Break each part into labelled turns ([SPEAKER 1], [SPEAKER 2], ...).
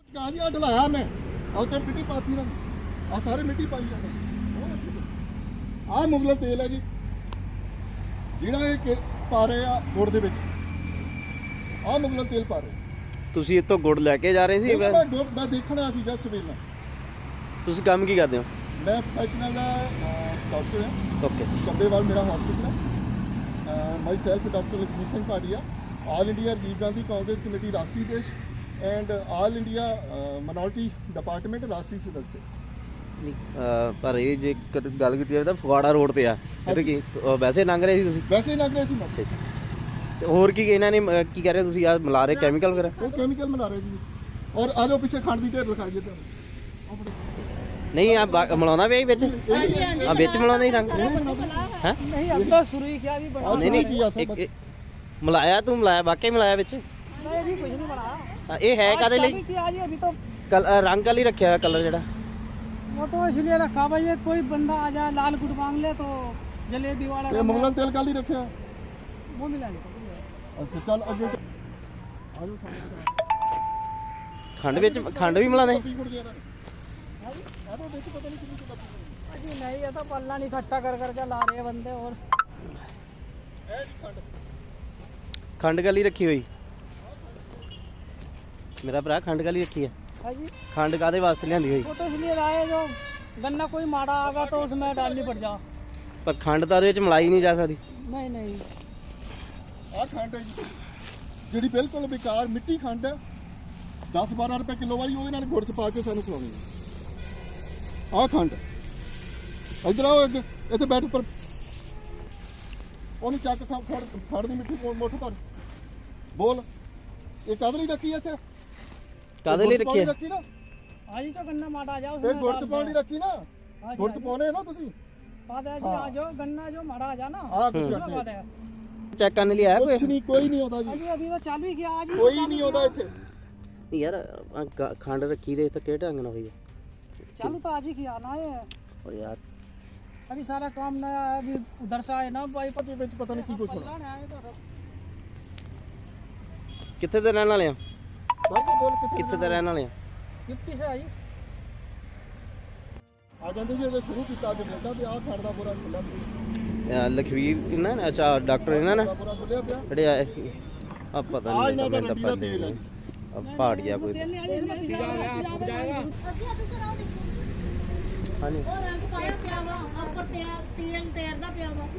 [SPEAKER 1] कहा जी ढलाया मैं और तो मिट्टी पाती ना आ सारे मिट्टी पाई जाते आ मुगल तेल है जी ਜਿਹੜਾ ਇਹ ਪਾ ਰਹੇ ਆ ਗੁੜ ਦੇ ਵਿੱਚ ਆ ਮੁਗਲ ਤੇਲ ਪਾ ਰਹੇ
[SPEAKER 2] ਤੁਸੀਂ ਇੱਥੋਂ ਗੁੜ ਲੈ ਕੇ ਜਾ ਰਹੇ ਸੀ
[SPEAKER 1] ਮੈਂ ਦੇਖਣਾ ਸੀ ਜਸਟ ਵੇਲਾ
[SPEAKER 2] ਤੁਸੀਂ ਕੰਮ ਕੀ ਕਰਦੇ ਹੋ
[SPEAKER 1] ਮੈਂ ਪ੍ਰੋਫੈਸ਼ਨਲ ਡਾਕਟਰ ਹਾਂ
[SPEAKER 2] ਓਕੇ
[SPEAKER 1] ਚੱਬੇਵਾਲ ਮੇਰਾ ਹਸਪੀਟਲ ਹੈ myself doctor Lakhvir Singh Bhatia all India Rajiv Gandhi Congress committee ਰਾਸ਼ਟਰੀ ਦੇਸ਼ and all India minority department ਰਾਸ਼ਟਰੀ ਸਦस्य
[SPEAKER 2] ਪਰ ਇਹ ਜੇ ਗੱਲ ਕੀਤੀ ਜਾਵੇ ਤਾਂ ਫਗਵਾੜਾ ਰੋਡ ਤੇ ਆ ਇਹ ਕੀ ਵੈਸੇ ਲੰਘ ਰਹੇ ਸੀ ਤੁਸੀਂ
[SPEAKER 1] ਵੈਸੇ ਹੀ ਲੰਘ ਰਹੇ ਸੀ ਮੈਂ
[SPEAKER 2] ਤੇ ਹੋਰ ਕੀ ਇਹਨਾਂ ਨੇ ਕੀ ਕਰ ਰਹੇ ਤੁਸੀਂ ਆ ਮਿਲਾ ਰਹੇ ਕੈਮੀਕਲ ਵਗੈਰਾ
[SPEAKER 1] ਉਹ ਕੈਮੀਕਲ ਮਿਲਾ ਰਹੇ ਜੀ ਔਰ ਆ ਜਾਓ ਪਿੱਛੇ ਖੰਡ ਦੀ ਢੇਰ ਦਿਖਾਈਏ ਤੁਹਾਨੂੰ
[SPEAKER 2] ਨਹੀਂ ਆ ਮਿਲਾਉਣਾ ਵੀ ਵਿੱਚ ਆ ਵਿੱਚ ਮਿਲਾਉਂਦੇ ਹੀ ਰੰਗ
[SPEAKER 3] ਹੈ ਨਹੀਂ अब तो शुरू ही किया अभी बड़ा
[SPEAKER 2] ਨਹੀਂ ਮਿਲਾਇਆ ਤੂੰ ਮਿਲਾਇਆ ਵਾਕਈ ਮਿਲਾਇਆ ਵਿੱਚ
[SPEAKER 3] नहीं अभी कुछ नहीं बनाया
[SPEAKER 2] ਇਹ ਹੈ ਕਾਦੇ ਲਈ
[SPEAKER 3] किया जी अभी तो
[SPEAKER 2] ਰੰਗ ਵਾਲੀ ਰੱਖਿਆ ਕਲਰ ਜਿਹੜਾ
[SPEAKER 3] वो तो इसलिए रखा भाई ये कोई बंदा आ जाए लाल गुड़ मांग ले तो जलेबी वाला
[SPEAKER 1] ਇਹ ਮੁਗਲ ਤੇਲ ਕਾਲੀ ਰੱਖਿਆ
[SPEAKER 3] वो मिला नहीं
[SPEAKER 1] ਅੱਛਾ ਚੱਲ ਅੱਗੇ ਆ ਜਾਓ
[SPEAKER 2] ਖੰਡ ਵੀ ਮਿਲਾਉਂਦੇ
[SPEAKER 3] जी नहीं ये तो पल्ला नहीं इकट्ठा कर करके ला रहे हैं बंदे और
[SPEAKER 2] ਖੰਡ ਗਲੀ ਰੱਖੀ ਹੋਈ ਮੇਰਾ ਭਰਾ ਖੰਡ ਗਲੀ ਰੱਖੀ ਹੈ
[SPEAKER 3] हाँ जी
[SPEAKER 2] ਖੰਡ ਕਾਦੇ ਵਾਸਤੇ ਲਿਆਂਦੀ ਹੋਈ
[SPEAKER 3] वो तो इसलिए लाए जो गन्ना कोई माड़ा आगा तो उसमें डालनी पड़ जा
[SPEAKER 2] ਪਰ ਖੰਡ ਤਾਂ ਉਹਦੇ ਵਿੱਚ ਮਿਲਾਈ ਨਹੀਂ ਜਾ ਸਕਦੀ
[SPEAKER 3] नहीं नहीं
[SPEAKER 1] ਆ ਖੰਡ ਹੈ ਜੀ ਜਿਹੜੀ ਬਿਲਕੁਲ ਬੇਕਾਰ ਮਿੱਟੀ ਖੰਡ ਹੈ 10-12 ਰੁਪਏ ਕਿਲੋ ਵਾਲੀ ਉਹਦੇ ਨਾਲ ਗੁੜ ਚ ਪਾ ਕੇ ਸਾਨੂੰ ਖਵਾਉਣੀ ਹੈ ਆ ਖੰਡ ਇਧਰ ਆਓ ਇੱਥੇ ਬੈਠ ਉੱਪਰ ਉਹਨੂੰ ਚੱਕ ਫੜ ਦੀ ਮਿੱਟੀ ਮੁੱਠ ਭਰ ਬੋਲ ਇਹ ਕਾਹਦੇ ਲਈ ਰੱਖੀ ਹੈ ਇੱਥੇ
[SPEAKER 2] ਕਾਦੇ ਲਈ ਰੱਖੀ ਹੈ
[SPEAKER 1] ਰੱਖੀ ਨਾ
[SPEAKER 3] आज ही तो गन्ना माड़ा आ जाओ
[SPEAKER 1] ਇਹ ਗੁੜ ਚ ਪਾਉਣ ਲਈ ਰੱਖੀ ਨਾ
[SPEAKER 3] हाँ
[SPEAKER 1] ਗੁੜ ਚ ਪਾਉਣੇ ਨਾ ਤੁਸੀਂ
[SPEAKER 3] बात है जी आ जाओ गन्ना जो माड़ा आ जा ना
[SPEAKER 1] ਆ ਕੁਝ
[SPEAKER 3] उसमें बात है
[SPEAKER 2] ਚੈੱਕ ਕਰਨ ਲਈ ਆਇਆ
[SPEAKER 1] ਕੁਝ ਨਹੀਂ ਕੋਈ ਨਹੀਂ ਆਉਂਦਾ ਜੀ
[SPEAKER 3] अभी अभी तो चालू ही किया आज ही
[SPEAKER 1] ਕੋਈ ਨਹੀਂ ਆਉਂਦਾ ਇੱਥੇ
[SPEAKER 2] ਕੋਈ ਯਾਰ ਖੰਡ ਰੱਖੀ ਦੇ ਤਾਂ ਕਿਹੜੇ ਢੰਗ ਨਾਲ ਹੋਈ ਹੈ
[SPEAKER 3] चालू तो आज ही किया ना ये
[SPEAKER 2] ਓ ਯਾਰ
[SPEAKER 3] अभी सारा काम नया है अभी उधर से आए ना भाई
[SPEAKER 1] ਪਤਾ ਵਿੱਚ ਪਤਾ ਨਹੀਂ ਕੀ ਕੁਝ ਹੋਣਾ
[SPEAKER 3] पल्ला है तो
[SPEAKER 2] ਕਿੱਥੇ ਦੇ ਰਹਿਣ ਵਾਲੇ ਆ
[SPEAKER 1] ਬਾਕੀ ਬੋਲ
[SPEAKER 2] ਕਿੱਥੇ ਦੇ ਰਹਿਣ ਵਾਲੇ ਆ
[SPEAKER 3] 50 से आई
[SPEAKER 1] ਆ ਜਾਂਦੇ ਜੀ ਇਹਦੇ ਸ਼ੁਰੂ ਕੀਤਾ ਅੱਜ ਮਿਲਦਾ ਵੀ ਆਹ ਖੰਡ ਦਾ ਪੂਰਾ ਖੁੱਲਾ ਪਿਆ
[SPEAKER 2] ਲਖਵੀਰ ਇਹਨਾਂ ਨੇ ਅੱਛਾ ਡਾਕਟਰ ਇਹਨਾਂ ਨੇ
[SPEAKER 1] ਪੂਰਾ ਖੁੱਲਿਆ ਪਿਆ
[SPEAKER 2] ਜਿਹੜੇ ਆਏ ਆ ਪਤਾ
[SPEAKER 1] ਆ
[SPEAKER 2] ਨਹੀਂ
[SPEAKER 1] ਇਹਨਾਂ ਦਾ
[SPEAKER 2] ਮੈਨੂੰ
[SPEAKER 1] ਰੰਡੀ
[SPEAKER 2] ਤਾਂ
[SPEAKER 1] ਦਾ
[SPEAKER 2] ਪਤਾ
[SPEAKER 1] ਤੇਲ ਹੈ
[SPEAKER 2] ਨਹੀਂ ਪਹਾੜ ਗਿਆ ਕੋਈ ਹਾਂਜੀ
[SPEAKER 4] ਉਹ ਰੰਗ ਪਾਇਆ ਪਿਆ ਵਾ ਉੱਪਰ ਤੇਲ ਤੇਰਦਾ ਪਿਆ ਵਾ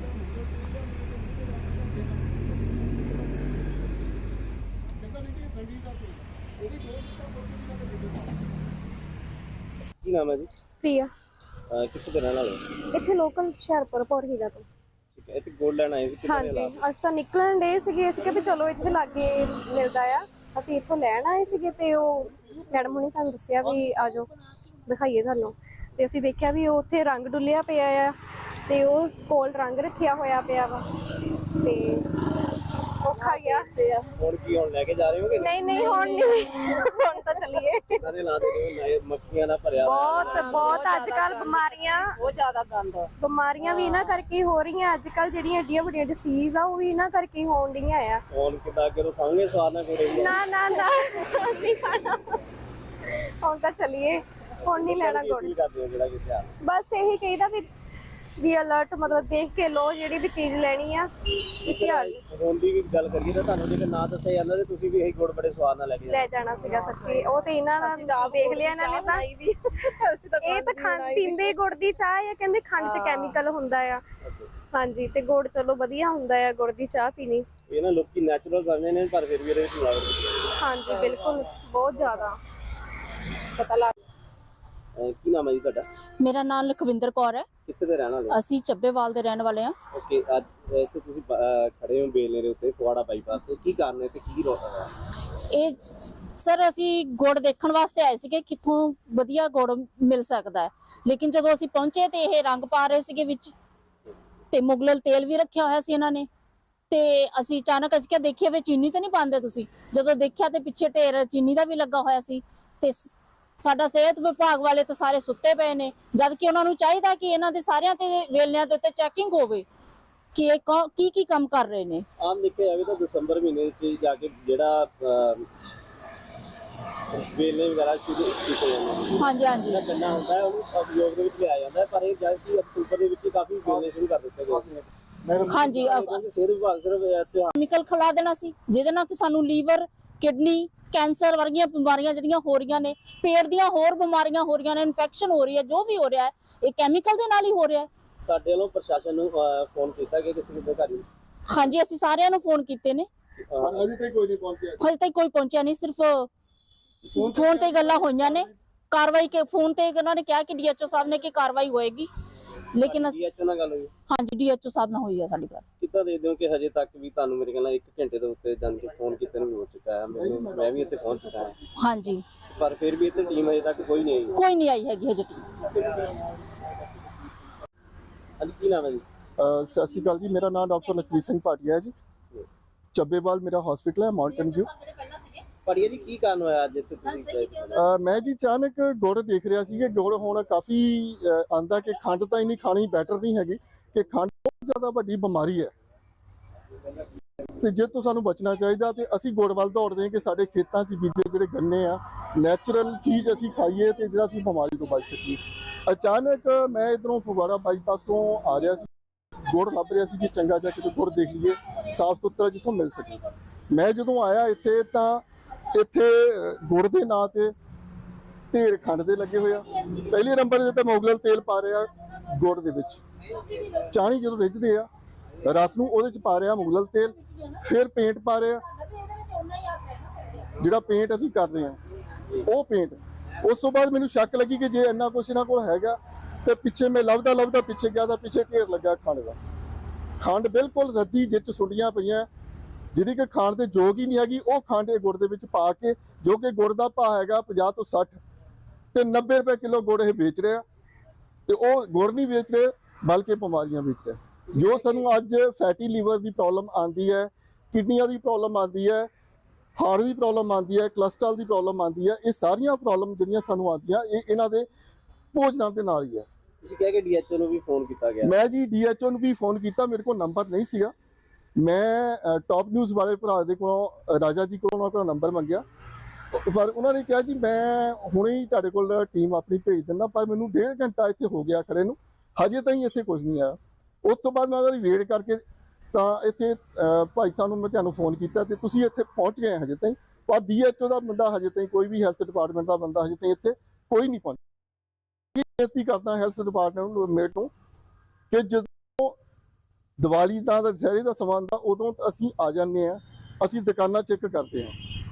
[SPEAKER 2] ਕੀ ਨਾਮ ਹੈ ਜੀ
[SPEAKER 5] ਪ੍ਰਿਆ
[SPEAKER 2] ਕਿੱਥੇ ਦੇ ਰਹਿਣ ਵਾਲੇ ਹੋ?
[SPEAKER 5] ਇੱਥੇ ਲੋਕਲ ਹੁਸ਼ਿਆਰਪੁਰ ਪੌਰਹੀਰਾ ਤੋਂ
[SPEAKER 2] ਠੀਕ ਹੈ ਇੱਥੇ ਗੋਲਡ ਲੈਣ ਆਏ ਸੀ ਕਿੱਥੇ
[SPEAKER 5] ਹਾਂਜੀ ਅਸੀਂ ਤਾਂ ਨਿਕਲਣ ਦੇ ਸੀਗੇ ਅਸੀਂ ਕਿ ਵੀ ਚਲੋ ਇੱਥੇ ਲਾਗੇ ਮਿਲਦਾ ਆ ਅਸੀਂ ਇੱਥੋਂ ਲੈਣ ਆਏ ਸੀਗੇ ਤੇ ਉਹ ਮੈਡਮ ਹੁਣੀ ਸਾਨੂੰ ਦੱਸਿਆ ਵੀ ਆ ਜਾਓ ਦਿਖਾਈਏ ਤੁਹਾਨੂੰ ਤੇ ਅਸੀਂ ਦੇਖਿਆ ਵੀ ਉਹ ਉੱਥੇ ਰੰਗ ਡੁੱਲਿਆ ਪਿਆ ਆ ਤੇ ਉਹ ਕੋਲ ਰੰਗ ਰੱਖਿਆ ਹੋਇਆ ਪਿਆ ਵਾ ਤੇ ਔਖਾ ਗਿਆ
[SPEAKER 2] ਹੁਣ ਕੀ ਹੁਣ ਲੈ ਕੇ ਜਾ ਰਹੇ ਹੋਗੇ
[SPEAKER 5] ਨਹੀਂ ਨਹੀਂ ਹੁਣ ਨਹੀਂ ਹੁਣ ਤਾਂ ਚੱਲੀਏ
[SPEAKER 2] ਸਾਰੇ ਲਾ ਦੇ ਮੱਖੀਆਂ ਨਾਲ ਭਰਿਆ
[SPEAKER 5] ਬਹੁਤ ਅੱਜ ਕੱਲ ਬਿਮਾਰੀਆਂ ਵੀ ਇਹਨਾਂ ਕਰਕੇ ਹੀ ਹੋ ਰਹੀਆਂ ਅੱਜ ਕੱਲ ਜਿਹੜੀਆਂ ਏਡੀਆਂ ਵੱਡੀਆਂ ਡਿਸੀਜ਼ ਆ ਉਹ ਵੀ ਇਹਨਾਂ ਕਰਕੇ ਹੀ ਹੋਣ ਡੀਆਂ ਆ
[SPEAKER 2] ਹੁਣ ਕਿਦਾਂ ਅੱਗੇ ਖਾਓਗੇ ਸਵਾਦ ਨਾਲ ਕੋੜੇ
[SPEAKER 5] ਨਾ ਨਾ ਨਾ ਨਹੀਂ ਖਾਣਾ ਹੁਣ ਤਾਂ ਚੱਲੀਏ ਹੁਣ ਨਹੀਂ ਲੈਣਾ ਗੁੜ
[SPEAKER 2] ਕੀ ਕਰਦੇ ਹੋ ਜਿਹੜਾ ਕਿੱਥੇ ਆ
[SPEAKER 5] ਬਸ ਇਹੀ ਕਹੀਦਾ ਵੀ ਅਲਰਟ ਮਤਲਬ ਦੇਖ ਕੇ ਲੋ ਜਿਹੜੀ ਵੀ ਚੀਜ਼ ਲੈਣੀ ਆ ਧਿਆਨ
[SPEAKER 2] ਹੁਣ ਦੀ ਵੀ ਗੱਲ ਕਰੀਏ ਤਾਂ ਤੁਹਾਨੂੰ ਜੇ ਨਾ ਦੱਸਿਆ ਜਾਂਦਾ ਤੇ ਤੁਸੀਂ ਵੀ ਇਹੀ ਗੁੜ ਬੜੇ ਸਵਾਦ ਨਾਲ ਲੈ ਕੇ
[SPEAKER 5] ਲੈ ਜਾਣਾ ਸੀਗਾ ਸੱਚੀ ਉਹ ਤੇ ਇਹਨਾਂ ਨਾਲ ਦੇਖ ਲਿਆ ਇਹਨਾਂ ਨੇ ਤਾਂ ਇਹ ਤਾਂ ਖੰਡ ਪੀਂਦੇ ਗੁੜ ਦੀ ਚਾਹ ਆ ਕਹਿੰਦੇ ਖੰਡ 'ਚ ਕੈਮੀਕਲ ਹੁੰਦਾ ਆ ਹਾਂਜੀ ਤੇ ਗੁੜ ਚਲੋ ਵਧੀਆ ਹੁੰਦਾ ਆ ਗੁੜ ਦੀ ਚਾਹ ਪੀਣੀ
[SPEAKER 2] ਇਹ ਨਾ ਲੋਕੀ ਨੈਚੁਰਲ ਸਮਝਦੇ ਨੇ ਪਰ ਫਿਰ ਵੀ ਇਹਦੇ ਵਿੱਚ ਮਿਲਾਵਟ ਹੁੰਦੀ ਹੈ
[SPEAKER 5] ਹਾਂਜੀ ਬਿਲਕੁਲ ਬਹੁਤ ਜ਼ਿਆਦਾ
[SPEAKER 3] पता लग
[SPEAKER 2] ਕੀ ਨਾਮ ਹੈ ਜੀ ਤੁਹਾਡਾ
[SPEAKER 6] ਮੇਰਾ ਨਾਮ ਲਖਵਿੰਦਰ ਕੌਰ ਹੈ।
[SPEAKER 2] ਕਿੱਥੇ ਦੇ ਰਹਿਣ ਵਾਲੇ
[SPEAKER 6] ਅਸੀਂ ਚੱਬੇਵਾਲ ਦੇ ਰਹਿਣ ਵਾਲੇ ਹਾਂ।
[SPEAKER 2] ਓਕੇ ਅੱਜ ਇੱਥੇ ਤੁਸੀਂ ਖੜੇ ਹੋ ਬੇਲਨੇ ਦੇ ਉੱਤੇ ਫਗਵਾੜਾ ਬਾਈਪਾਸ ਤੇ ਕੀ ਕਾਰਨ ਹੈ ਤੇ ਕੀ ਰੋਕਦਾ
[SPEAKER 6] ਇਹ ਸਰ ਅਸੀਂ ਗੁੜ ਦੇਖਣ ਵਾਸਤੇ ਆਏ ਸੀਗੇ ਕਿੱਥੋਂ ਵਧੀਆ ਗੁੜ ਮਿਲ ਸਕਦਾ ਹੈ ਲੇਕਿਨ ਜਦੋਂ ਅਸੀਂ ਪਹੁੰਚੇ ਤੇ ਇਹ ਰੰਗ ਪਾ ਰਹੇ ਸੀਗੇ ਵਿੱਚ ਤੇ ਮੁਗਲਲ ਤੇਲ ਵੀ ਰੱਖਿਆ ਹੋਇਆ ਸੀ ਇਹਨਾਂ ਨੇ ਤੇ ਅਸੀਂ ਅਚਾਨਕ ਅਸੀਂ ਕਿਹਾ ਦੇਖਿਆ ਵੀ ਚੀਨੀ ਤਾਂ ਨਹੀਂ ਪਾਉਂਦੇ ਤੁਸੀਂ ਜਦੋਂ ਦੇਖਿਆ ਤੇ ਪਿੱਛੇ ਢੇਰ ਚੀਨੀ ਦਾ ਵੀ ਲੱਗਾ ਹੋਇਆ ਸੀ ਤੇ ਸਾਡਾ ਸਿਹਤ ਵਿਭਾਗ ਵਾਲੇ ਤਾਂ ਸਾਰੇ ਸੁੱਤੇ ਪਏ ਨੇ ਜਦ ਕਿ ਉਹਨਾਂ ਨੂੰ ਚਾਹੀਦਾ ਕਿ ਇਹਨਾਂ ਦੇ ਸਾਰਿਆਂ ਤੇ ਵੇਲਿਆਂ ਦੇ ਉੱਤੇ ਚੈਕਿੰਗ ਹੋਵੇ ਕਿ ਇਹ ਕੀ ਕੰਮ ਕਰ ਰਹੇ ਨੇ।
[SPEAKER 2] ਆਮ ਦੇਖਿਆ ਜਾਵੇ ਤਾਂ ਦਸੰਬਰ ਮਹੀਨੇ ਵਿੱਚ ਜਾ ਕੇ ਜਿਹੜਾ ਵੇਲੇ ਵਗੈਰਾ ਸ਼ੁਰੂ ਕੀਤੇ ਜਾਂਦੇ ਨੇ।
[SPEAKER 6] ਹਾਂਜੀ ਹਾਂਜੀ
[SPEAKER 2] ਜਿਹੜਾ ਗੰਨਾ ਹੁੰਦਾ ਹੈ ਉਹਨੂੰ ਉਪਯੋਗ ਦੇ ਵਿੱਚ ਲਿਆ ਜਾਂਦਾ ਹੈ, ਪਰ ਇਹ ਜਦ ਕਿ ਅਕਤੂਬਰ ਦੇ ਵਿੱਚ ਹੀ ਕਾਫੀ ਵੇਲੇ ਸ਼ੁਰੂ ਕਰ ਦਿੱਤੇ ਗਏ।
[SPEAKER 6] ਹਾਂਜੀ
[SPEAKER 2] ਕਿਉਂਕਿ ਸਿਹਤ ਵਿਭਾਗ ਸਿਰਫ ਤਿਉਹਾਰ
[SPEAKER 6] ਕੈਮੀਕਲ ਖਿਲਾ ਦੇਣਾ ਸੀ ਜਿਹਦੇ ਨਾਲ ਕਿ ਸਾਨੂੰ ਲੀਵਰ, ਕਿਡਨੀ, ਕੈਂਸਰ ਵਰਗੀਆਂ ਬਿਮਾਰੀਆਂ ਜਿਹੜੀਆਂ ਹੋ ਰਹੀਆਂ ਨੇ, ਪੇਟ ਦੀਆਂ ਹੋਰ ਬਿਮਾਰੀਆਂ ਹੋ ਰਹੀਆਂ ਨੇ, ਇਨਫੈਕਸ਼ਨ ਹੋ ਰਹੀ ਹੈ, ਜੋ ਵੀ ਹੋ ਰਿਹਾ ਹੈ ਇਹ ਕੈਮੀਕਲ ਦੇ ਨਾਲ ਹੀ ਹੋ ਰਿਹਾ ਹੈ।
[SPEAKER 2] ਸਾਡੇ ਵੱਲੋਂ ਪ੍ਰਸ਼ਾਸਨ ਨੂੰ ਫੋਨ ਕੀਤਾ ਕਿ ਕਿਸੇ ਦੇ ਘਰ
[SPEAKER 6] ਹਾਂਜੀ ਅਸੀਂ ਸਾਰਿਆਂ ਨੂੰ ਫੋਨ ਕੀਤੇ ਨੇ,
[SPEAKER 1] ਅਜੇ ਤੱਕ ਕੋਈ ਨਹੀਂ ਪਹੁੰਚਿਆ।
[SPEAKER 6] ਹਜੇ ਤੱਕ ਕੋਈ ਪਹੁੰਚਿਆ ਨਹੀਂ। ਸਿਰਫ ਫੋਨ ਤੇ ਗੱਲਾਂ ਹੋਈਆਂ ਨੇ, ਕਾਰਵਾਈ ਕੇ ਫੋਨ ਤੇ ਉਹਨਾਂ ਨੇ ਕਿਹਾ ਕਿ ਡੀਐਚਓ ਸਾਹਿਬ ਨੇ ਕਿ ਕਾਰਵਾਈ ਹੋਏਗੀ, ਲੇਕਿਨ
[SPEAKER 2] ਡੀਐਚਓ ਨਾਲ ਗੱਲ ਹੋਈ?
[SPEAKER 6] ਹਾਂਜੀ ਡੀਐਚਓ ਸਾਹਿਬ ਨਾਲ ਹੋਈ ਹੈ ਸਾਡੀ ਗੱਲ।
[SPEAKER 2] ਕਿੱਦਾਂ ਦੇਖਦੇ ਹੋ ਕਿ ਹਜੇ ਤੱਕ ਵੀ ਤੁਹਾਨੂੰ ਮੇਰੇ ਖਿਆਲ ਨਾਲ 1 ਘੰਟੇ ਦੇ ਉੱਤੇ ਜਾਣ ਕੇ ਫੋਨ ਕੀਤੇ ਨੂੰ ਵੀ ਹੋ ਚੁੱਕਾ ਹੈ, ਮੈਂ ਵੀ ਇੱਥੇ ਪਹੁੰਚ ਚੁੱਕਾ ਹਾਂ,
[SPEAKER 6] ਹਾਂਜੀ
[SPEAKER 2] ਪਰ ਫਿਰ ਵੀ ਇੱਥੇ ਟੀਮ ਹਜੇ ਤੱਕ ਕੋਈ ਨਹੀਂ ਆਈ।
[SPEAKER 6] ਕੋਈ ਨਹੀਂ ਆਈ ਹੈਗੀ ਹਜੇ ਟੀਮ।
[SPEAKER 2] ਹਾਂਜੀ ਕੀ ਨਾਮ ਹੈ ਜੀ?
[SPEAKER 1] ਸਤਿ ਸ਼੍ਰੀ ਅਕਾਲ ਜੀ, ਮੇਰਾ ਨਾਮ ਡਾਕਟਰ ਲਖਵੀਰ ਸਿੰਘ ਭਾਟੀਆ ਹੈ ਜੀ। ਚੱਬੇਵਾਲ ਮੇਰਾ ਹਸਪੀਟਲ ਹੈ, ਮਾਊਂਟਨ ਵਿਊ।
[SPEAKER 2] ਭਾਟੀਆ ਜੀ ਕੀ ਕਾਰਨ ਹੋਇਆ ਅੱਜ ਇੱਥੇ ਤੁਸੀਂ?
[SPEAKER 1] ਮੈਂ ਜੀ ਅਚਾਨਕ ਗੁੜ ਦੇਖ ਰਿਹਾ ਸੀ ਕਿ ਗੁੜ ਹੁਣ ਕਾਫੀ ਆਂਦਾ ਕਿ ਖੰਡ ਤਾਂ ਇੰਨੀ ਖਾਣੀ ਬੈਟਰ ਨਹੀਂ ਹੈਗੀ, ਕਿ ਖੰਡ ਬਹੁਤ ਜ਼ਿਆਦਾ ਵੱਡੀ ਬਿਮਾਰੀ ਹੈ ਤੇ ਜੇ ਤੋਂ ਸਾਨੂੰ ਬਚਣਾ ਚਾਹੀਦਾ ਤੇ ਅਸੀਂ ਗੁੜ ਵੱਲ ਦੌੜਦੇ ਹਾਂ ਕਿ ਸਾਡੇ ਖੇਤਾਂ 'ਚ ਬੀਜੇ ਜਿਹੜੇ ਗੰਨੇ ਆ ਨੈਚੁਰਲ ਚੀਜ਼ ਅਸੀਂ ਖਾਈਏ ਤੇ ਜਿਹੜਾ ਅਸੀਂ ਬਿਮਾਰੀ ਤੋਂ ਬਚ ਸਕੀਏ। ਅਚਾਨਕ ਮੈਂ ਇਧਰੋਂ ਫਗਵਾੜਾ ਬਾਈਪਾਸ ਤੋਂ ਆ ਰਿਹਾ ਸੀ, ਗੁੜ ਲੱਭ ਰਿਹਾ ਸੀ ਕਿ ਚੰਗਾ ਜਿਹਾ ਕਿਤੇ ਗੁੜ ਦੇਖ ਲਈਏ ਸਾਫ਼ ਸੁਥਰਾ ਜਿੱਥੋਂ ਮਿਲ ਸਕੇ। ਮੈਂ ਜਦੋਂ ਆਇਆ ਇੱਥੇ ਤਾਂ ਇੱਥੇ ਗੁੜ ਦੇ ਨਾਂ ਤੇ ਢੇਰ ਖੰਡ ਦੇ ਲੱਗੇ ਹੋਇਆ। ਪਹਿਲੇ ਨੰਬਰ ਦੇ ਤਾਂ ਮੁਗਲਲ ਤੇਲ ਪਾ ਰਿਹਾ ਗੁੜ ਦੇ ਵਿੱਚ, ਚਾਣੀ ਜਦੋਂ ਰਿੱਝਦੇ ਆ ਰਸ ਨੂੰ ਉਹਦੇ ਚ ਪਾ ਰਿਹਾ ਮੁਗਲਲ ਤੇਲ, ਫਿਰ ਪੇਂਟ ਪਾ ਰਿਹਾ, ਜਿਹੜਾ ਪੇਂਟ ਅਸੀਂ ਕਰਦੇ ਆ ਉਹ ਪੇਂਟ। ਉਸ ਤੋਂ ਬਾਅਦ ਮੈਨੂੰ ਸ਼ੱਕ ਲੱਗੀ ਕਿ ਜੇ ਇੰਨਾ ਕੁਛ ਇਹਨਾਂ ਕੋਲ ਹੈਗਾ ਤੇ ਪਿੱਛੇ ਮੈਂ ਲੱਭਦਾ ਪਿੱਛੇ ਗਿਆ ਤਾਂ ਪਿੱਛੇ ਢੇਰ ਲੱਗਾ ਖੰਡ ਦਾ। ਖੰਡ ਬਿਲਕੁਲ ਰੱਦੀ ਜਿੱਚ ਸੁੰਡੀਆਂ ਪਈਆਂ, ਜਿਹੜੀ ਕਿ ਖਾਣ ਦੇ ਯੋਗ ਹੀ ਨਹੀਂ ਹੈਗੀ, ਉਹ ਖੰਡ ਇਹ ਗੁੜ ਦੇ ਵਿੱਚ ਪਾ ਕੇ, ਜੋ ਕਿ ਗੁੜ ਦਾ ਭਾਅ ਹੈਗਾ 50 ਤੋਂ 60 ਤੇ 90 ਰੁਪਏ ਕਿਲੋ ਗੁੜ ਇਹ ਵੇਚ ਰਿਹਾ ਤੇ ਉਹ ਗੁੜ ਨਹੀਂ ਵੇਚ ਰਹੇ ਬਲਕਿ ਬਿਮਾਰੀਆਂ ਵੇਚ ਰਿਹਾ। ਜੋ ਸਾਨੂੰ ਅੱਜ ਫੈਟੀ ਲੀਵਰ ਦੀ ਪ੍ਰੋਬਲਮ ਆਉਂਦੀ ਹੈ, ਕਿਡਨੀਆਂ ਦੀ ਪ੍ਰੋਬਲਮ ਆਉਂਦੀ ਹੈ, ਹਾਰਟ ਦੀ ਪ੍ਰੋਬਲਮ ਆਉਂਦੀ ਹੈ, ਕੋਲੇਸਟ੍ਰੋਲ ਦੀ ਪ੍ਰੋਬਲਮ ਆਉਂਦੀ ਹੈ, ਇਹ ਸਾਰੀਆਂ ਪ੍ਰੋਬਲਮ ਜਿਹੜੀਆਂ ਸਾਨੂੰ ਆਉਂਦੀਆਂ ਇਹ ਇਹਨਾਂ ਦੇ ਭੋਜਨਾਂ ਦੇ ਨਾਲ ਹੀ ਹੈ।
[SPEAKER 2] ਤੁਸੀਂ ਕਹਿ ਕੇ ਡੀਐਚਓ ਨੂੰ ਵੀ ਫੋਨ ਕੀਤਾ ਗਿਆ?
[SPEAKER 1] ਮੈਂ ਜੀ ਡੀਐਚਓ ਨੂੰ ਵੀ ਫੋਨ ਕੀਤਾ, ਮੇਰੇ ਕੋਲ ਨੰਬਰ ਨਹੀਂ ਸੀਗਾ। ਮੈਂ ਟੌਪ ਨਿਊਜ਼ ਵਾਲੇ ਭਰਾ ਦੇ ਕੋਲੋਂ ਰਾਜਾ ਜੀ ਕੋਲੋਂ ਉਹਨਾਂ ਕੋਲ ਨੰਬਰ ਮੰਗਿਆ, ਪਰ ਉਹਨਾਂ ਨੇ ਕਿਹਾ ਜੀ ਮੈਂ ਹੁਣੇ ਹੀ ਤੁਹਾਡੇ ਕੋਲ ਟੀਮ ਆਪਣੀ ਭੇਜ ਦਿੰਦਾ, ਪਰ ਮੈਨੂੰ 1.5 ਘੰਟਾ ਇੱਥੇ ਹੋ ਗਿਆ ਖੜੇ ਨੂੰ, ਹਜੇ ਤਾਈਂ ਇੱਥੇ ਕੁਝ ਨਹੀਂ ਆਇਆ। ਉਸ ਤੋਂ ਬਾਅਦ ਮੈਂ ਉਹਦੀ ਵੇਟ ਕਰਕੇ ਤਾਂ ਇੱਥੇ ਭਾਈ ਸਾਹਿਬ ਨੂੰ ਮੈਂ ਤੁਹਾਨੂੰ ਫੋਨ ਕੀਤਾ ਤੇ ਤੁਸੀਂ ਇੱਥੇ ਪਹੁੰਚ ਗਏ ਹਜੇ ਤਾਈਂ, ਪਰ ਡੀਐਚਓ ਦਾ ਬੰਦਾ ਹਜੇ ਤਾਈਂ ਕੋਈ ਵੀ ਹੈਲਥ ਡਿਪਾਰਟਮੈਂਟ ਦਾ ਬੰਦਾ ਹਜੇ ਤਾਈਂ ਇੱਥੇ ਕੋਈ ਨਹੀਂ ਪਹੁੰਚਿਆ। ਬੇਨਤੀ ਕਰਦਾ ਹੈਲਥ ਡਿਪਾਰਟਮੈਂਟ ਨੂੰ ਮੇਟ ਨੂੰ ਕਿ ਜਦੋਂ ਦੀਵਾਲੀ ਦਾ ਦੁਸਹਿਰੇ ਦਾ ਸਮਾਂ ਦਾ ਉਦੋਂ ਅਸੀਂ ਆ ਜਾਂਦੇ ਹਾਂ, ਅਸੀਂ ਦੁਕਾਨਾਂ ਚੈੱਕ ਕਰਦੇ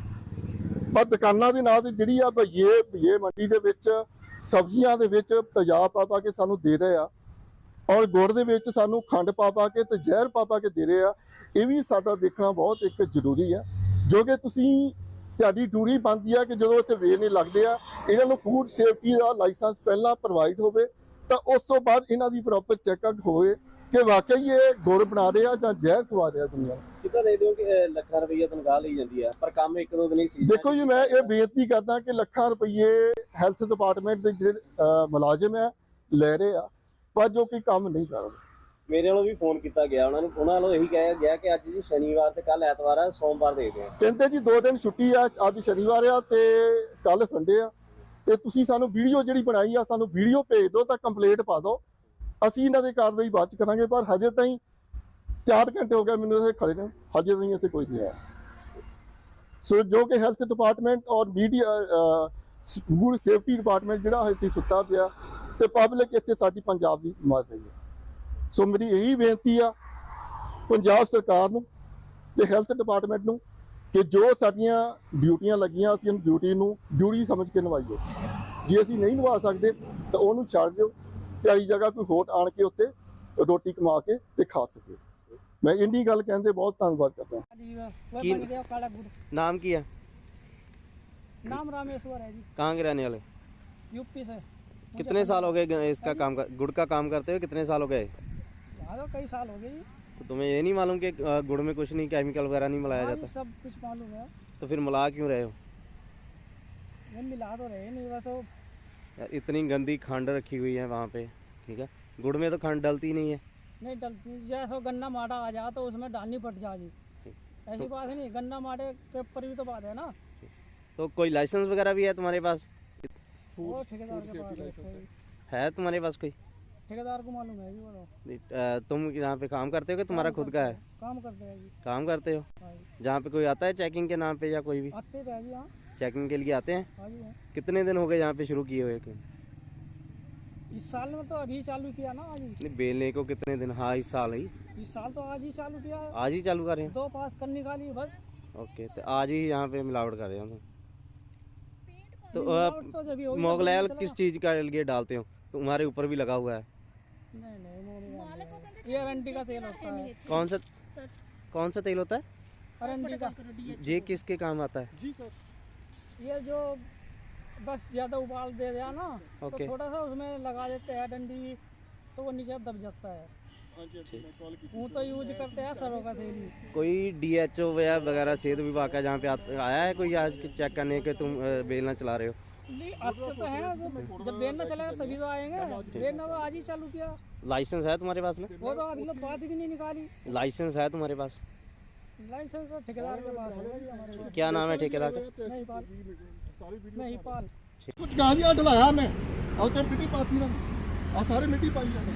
[SPEAKER 1] ਹਾਂ, ਪਰ ਦੁਕਾਨਾਂ ਦੇ ਨਾਂ ਤੇ ਜਿਹੜੀ ਆ ਭਈਏ ਮੰਡੀ ਦੇ ਵਿੱਚ ਸਬਜ਼ੀਆਂ ਦੇ ਵਿੱਚ ਤੇਜ਼ਾਬ ਪਾ ਕੇ ਸਾਨੂੰ ਦੇ ਰਹੇ ਆ, ਔਰ ਗੁੜ ਦੇ ਵਿੱਚ ਸਾਨੂੰ ਖੰਡ ਪਾ ਕੇ ਤੇ ਜ਼ਹਿਰ ਪਾ ਕੇ ਦੇ ਰਹੇ ਆ। ਇਹ ਵੀ ਸਾਡਾ ਦੇਖਣਾ ਬਹੁਤ ਇੱਕ ਜ਼ਰੂਰੀ ਹੈ, ਜੋ ਕਿ ਤੁਸੀਂ ਤੁਹਾਡੀ ਡਿਊਟੀ ਬਣਦੀ ਆ ਕਿ ਜਦੋਂ ਇੱਥੇ ਵੇਚ ਨਹੀਂ ਲੱਗਦੇ ਆ, ਇਹਨਾਂ ਨੂੰ ਫੂਡ ਸੇਫਟੀ ਦਾ ਲਾਇਸੈਂਸ ਪਹਿਲਾਂ ਪ੍ਰੋਵਾਈਡ ਹੋਵੇ ਤਾਂ ਉਸ ਤੋਂ ਬਾਅਦ ਇਹਨਾਂ ਦੀ ਪ੍ਰੋਪਰ ਚੈੱਕਅਪ ਹੋਵੇ ਕਿ ਵਾਕਈ ਇਹ ਗੁੜ ਬਣਾ ਰਹੇ ਆ ਜਾਂ ਜ਼ਹਿਰ ਖਵਾ ਰਹੇ ਆ ਦੁਨੀਆ ਨੂੰ।
[SPEAKER 2] ਕਿੱਦਾਂ ਦੇਖਦੇ ਹੋ ਕਿ ਲੱਖਾਂ ਰੁਪਈਆ ਤਨਖਾਹ ਲਈ ਜਾਂਦੀ ਹੈ ਪਰ ਕੰਮ ਇੱਕ ਦੋ ਦਿਨ ਹੀ ਸੀ?
[SPEAKER 1] ਦੇਖੋ ਜੀ, ਮੈਂ ਇਹ ਬੇਨਤੀ ਕਰਦਾ ਕਿ ਲੱਖਾਂ ਰੁਪਏ ਹੈਲਥ ਡਿਪਾਰਟਮੈਂਟ ਦੇ ਜਿਹੜੇ ਮੁਲਾਜ਼ਮ ਆ ਲੈ ਰਹੇ ਆ, ਪਰ ਜੋ ਕਿ ਕੰਮ ਨਹੀਂ ਕਰ ਰਹੇ।
[SPEAKER 2] ਮੇਰੇ ਵੱਲੋਂ ਵੀ ਫੋਨ ਕੀਤਾ ਗਿਆ ਉਹਨਾਂ ਵੱਲੋਂ ਇਹੀ ਕਿਹਾ ਗਿਆ ਕਿ ਅੱਜ ਜੀ ਸ਼ਨੀਵਾਰ ਤੇ ਕੱਲ ਐਤਵਾਰ ਆ, ਸੋਮਵਾਰ ਦੇਖਦੇ ਆ।
[SPEAKER 1] ਕਹਿੰਦੇ ਜੀ 2 ਦਿਨ ਛੁੱਟੀ ਆ, ਅੱਜ ਸ਼ਨੀਵਾਰ ਆ ਤੇ ਕੱਲ ਸੰਡੇ ਆ, ਤੇ ਤੁਸੀਂ ਸਾਨੂੰ ਵੀਡੀਓ ਜਿਹੜੀ ਬਣਾਈ ਆ ਸਾਨੂੰ ਵੀਡੀਓ ਭੇਜ ਦਿਓ ਤਾਂ ਕੰਪਲੇਂਟ ਪਾ ਦਿਓ, ਅਸੀਂ ਇਹਨਾਂ ਦੀ ਕਾਰਵਾਈ ਬਾਅਦ ਚ ਕਰਾਂਗੇ। ਪਰ ਹਜੇ ਤਾਈਂ 4 ਘੰਟੇ ਹੋ ਗਏ ਮੈਨੂੰ ਇੱਥੇ ਖੜੇ ਨੇ, ਹਜੇ ਤਾਈਂ ਇੱਥੇ ਕੋਈ ਨਹੀਂ ਆਇਆ। ਸੋ ਜੋ ਕਿ ਹੈਲਥ ਡਿਪਾਰਟਮੈਂਟ ਔਰ ਮੀਡੀਆ ਫੂਡ ਸੇਫਟੀ ਡਿਪਾਰਟਮੈਂਟ ਜਿਹੜਾ ਇੱਥੇ ਸੁੱਤਾ ਪਿਆ ਤੇ ਪਬਲਿਕ ਇੱਥੇ ਸਾਡੀ ਪੰਜਾਬ ਦੀ ਮਾਰ ਰਹੀ ਹੈ। ਸੋ ਮੇਰੀ ਇਹੀ ਬੇਨਤੀ ਆ ਪੰਜਾਬ ਸਰਕਾਰ ਨੂੰ ਤੇ ਹੈਲਥ ਡਿਪਾਰਟਮੈਂਟ ਨੂੰ ਕਿ ਜੋ ਸਾਡੀਆਂ ਡਿਊਟੀਆਂ ਲੱਗੀਆਂ ਅਸੀਂ ਉਹਨੂੰ ਡਿਊਟੀ ਸਮਝ ਕੇ ਨਿਭਾਈਏ। ਜੇ ਅਸੀਂ ਨਹੀਂ ਨਿਭਾ ਸਕਦੇ ਤਾਂ ਉਹਨੂੰ ਛੱਡ ਦਿਓ, ਤਿਆਰੀ ਜਗ੍ਹਾ ਕੋਈ ਹੋਰ ਆਣ ਕੇ ਉੱਤੇ ਰੋਟੀ ਕਮਾ ਕੇ ਤੇ ਖਾ ਸਕੇ। ਮੈਂ ਇੰਨੀ ਗੱਲ ਕਹਿੰਦੇ ਬਹੁਤ ਧੰਨਵਾਦ करता हूँ।
[SPEAKER 3] बन गया काला गुड़।
[SPEAKER 2] नाम की है?
[SPEAKER 3] नाम रामेश्वर है जी,
[SPEAKER 2] कहाँ के रहने वाले?
[SPEAKER 3] यूपी से।
[SPEAKER 2] कितने साल हो गए इसका गुड़ का काम करते हुए? कितने साल हो गए?
[SPEAKER 3] हाँ तो कई साल हो गए जी।
[SPEAKER 2] तो तुम्हें ये नहीं मालूम कि गुड़ में कुछ नहीं केमिकल वगैरह नहीं मिलाया
[SPEAKER 3] हाँ जी,
[SPEAKER 2] जाता?
[SPEAKER 3] सब कुछ मालूम है।
[SPEAKER 2] तो फिर मिला क्यों रहे हो?
[SPEAKER 3] ये मिला तो रहे नहीं, बस वो
[SPEAKER 2] यार इतनी गंदी खंड रखी हुई है वहाँ पे, ठीक है? गुड़ में तो खंड डलती नहीं है।
[SPEAKER 3] नहीं डलती, जैसे गन्ना माटा आ जा तो उसमें डालनी पड़ जा जी, ऐसी बात है नहीं, गन्ना माटे के ऊपर भी तो बात है ना।
[SPEAKER 2] तो कोई लाइसेंस वगैरह भी है तुम्हारे पास?
[SPEAKER 3] वो ठेकेदार के पास है
[SPEAKER 1] लाइसेंस है।
[SPEAKER 2] है तुम्हारे पास कोई?
[SPEAKER 3] ठेकेदार को मालूम है जी, वो तो
[SPEAKER 2] तुम यहाँ पे काम करते हो कि तुम्हारा खुद का है?
[SPEAKER 3] काम करते हैं जी।
[SPEAKER 2] काम करते हो?
[SPEAKER 3] हाँ जी।
[SPEAKER 2] जहाँ पे कोई आता है चेकिंग के नाम पे या कोई भी
[SPEAKER 3] आते रहे जी। हाँ
[SPEAKER 2] चेकिंग के लिए आते हैं?
[SPEAKER 3] हाँ जी। हाँ।
[SPEAKER 2] कितने दिन हो गए यहाँ पे शुरू किए हुए?
[SPEAKER 3] इस साल में तो अभी चालू किया ना आज ही।
[SPEAKER 2] नहीं, बेलने को कितने दिन? हाँ, इस साल ही।
[SPEAKER 3] इस साल तो आज ही चालू किया है।
[SPEAKER 2] आज ही चालू कर रहे हैं?
[SPEAKER 3] 2 पास कर निकाली बस।
[SPEAKER 2] ओके, तो आज ही यहाँ पे मिलावट कर रहे हो तुम? तो
[SPEAKER 3] मिलावट तो जब ही होगी,
[SPEAKER 2] मोगलाई
[SPEAKER 3] तब
[SPEAKER 2] ऑयल
[SPEAKER 3] चलेगा।
[SPEAKER 2] किस चीज़ का लिए डालते हो? तुम्हारे ऊपर भी लगा हुआ है।
[SPEAKER 3] नहीं नहीं, मोगलाई नहीं। ये अरंडी का तेल होता है।
[SPEAKER 2] कौन सा तेल होता है?
[SPEAKER 3] अरंडी का।
[SPEAKER 2] ये किसके काम आता है?
[SPEAKER 1] जी सर।
[SPEAKER 3] ये जो 10 ज़्यादा उबाल दे दिया ना, तो
[SPEAKER 2] ओके।
[SPEAKER 3] थोड़ा सा उसमें लगा देते हैं डंडी, तो वो नीचे दब जाता है।
[SPEAKER 1] हाँ जी, अच्छा, मैं कॉल की थी।
[SPEAKER 3] वो तो यूज करते हैं सरों का तेल ही।
[SPEAKER 2] कोई DHO वगैरह सेहत विभाग का जहाँ पे आया है कोई आज चेक करने के तुम बेलना चला रहे हो?
[SPEAKER 3] नहीं आते तो है, जब बेलना चलेगा तभी तो आएंगे। बेलना तो आज ही चालू किया।
[SPEAKER 2] लाइसेंस है तुम्हारे पास में?
[SPEAKER 3] वो तो अभी तक बात भी नहीं निकाली।
[SPEAKER 2] लाइसेंस है तुम्हारे पास?
[SPEAKER 3] लाइसेंस तो ठेकेदार के पास होगा जी, हमारे पास
[SPEAKER 2] क्या नाम है ठेकेदार का?
[SPEAKER 3] नहीं पाल। नहीं पाल।
[SPEAKER 1] कुछ गाजिया ढलाया मैं और ਤੇ ਮਿੱਟੀ ਪਾਤੀ ਨਾ ਆ ਸਾਰੇ ਮਿੱਟੀ ਪਾਈ ਜਾਂਦੇ